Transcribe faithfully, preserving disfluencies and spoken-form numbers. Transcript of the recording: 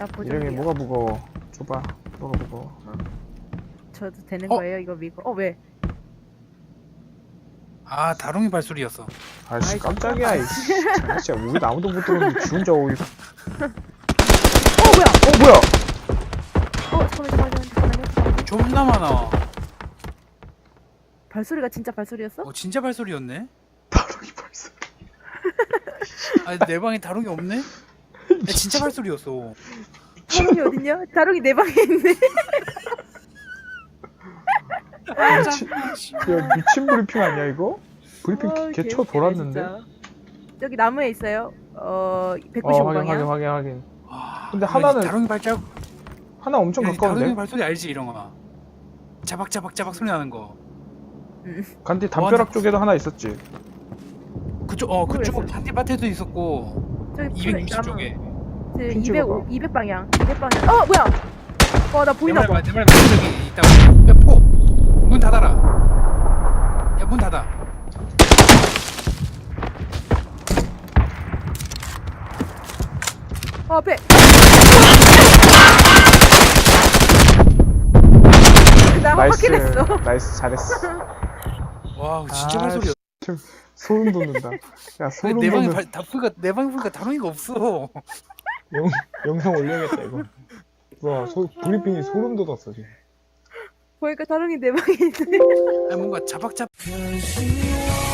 나 보정이요. 이름이 뭐가 무거워? 줘봐. 뭐가 무거워? 저도 되는 어? 거예요 이거 미고. 어 왜? 아 다롱이 발소리였어. 아이씨 아이, 깜짝이야. 이씨. 장난치야. 우리 아무도 못 들었는데 지 혼자 오일. 어 뭐야? 어 뭐야? 어 잠깐만 잠깐만 잠깐만요. 잠깐만요. 존나 많아. 발소리가 진짜 발소리였어? 어 진짜 발소리였네. 다롱이 발소. 아니 내 방에 다롱이 없네? 야, 진짜 발소리였어. 다롱이 어딨냐? 다롱이 내 방에 있네. 미친, 야 미친 브리핑 아니야 이거? 브리핑 어, 개쳐 개웃기네, 돌았는데? 진짜. 저기 나무에 있어요. 어 어 백구십오 확인 확인 방향. 확인 확인. 와, 근데 야, 하나는- 이 다롱이 발자국. 하나 엄청 야, 이 다롱이 가까운데? 발소리 알지 이런아. 자박자박자박 소리 나는 거. 간디 담벼락 와, 쪽에도 하나 있었지. 그쪽 어 그쪽 모르겠어요. 잔디밭에도 있었고 저기 이백육십 쪽에. 핀 이백 찍어봐. 이백 방향. 이백 방향. 어 뭐야? 와나 보이나 봐. 내말 내말 저기 있다고. 야포 문 닫아라. 야 문 닫아. 어 앞에. 나 나이스. 확인했어. 나이스 잘했어. 와 진짜 아, 발소리야. 좀 소름 돋는다. 야 소름 내 방에 돋는 발, 다프가 내 방에 보니까 다롱이가 없어. 영, 영상 올려야겠다 이거. 와 소, 브리핑이 소름 돋았어 지금. 보니까 다롱이 내 방에 있네. 아니 뭔가 자박자박.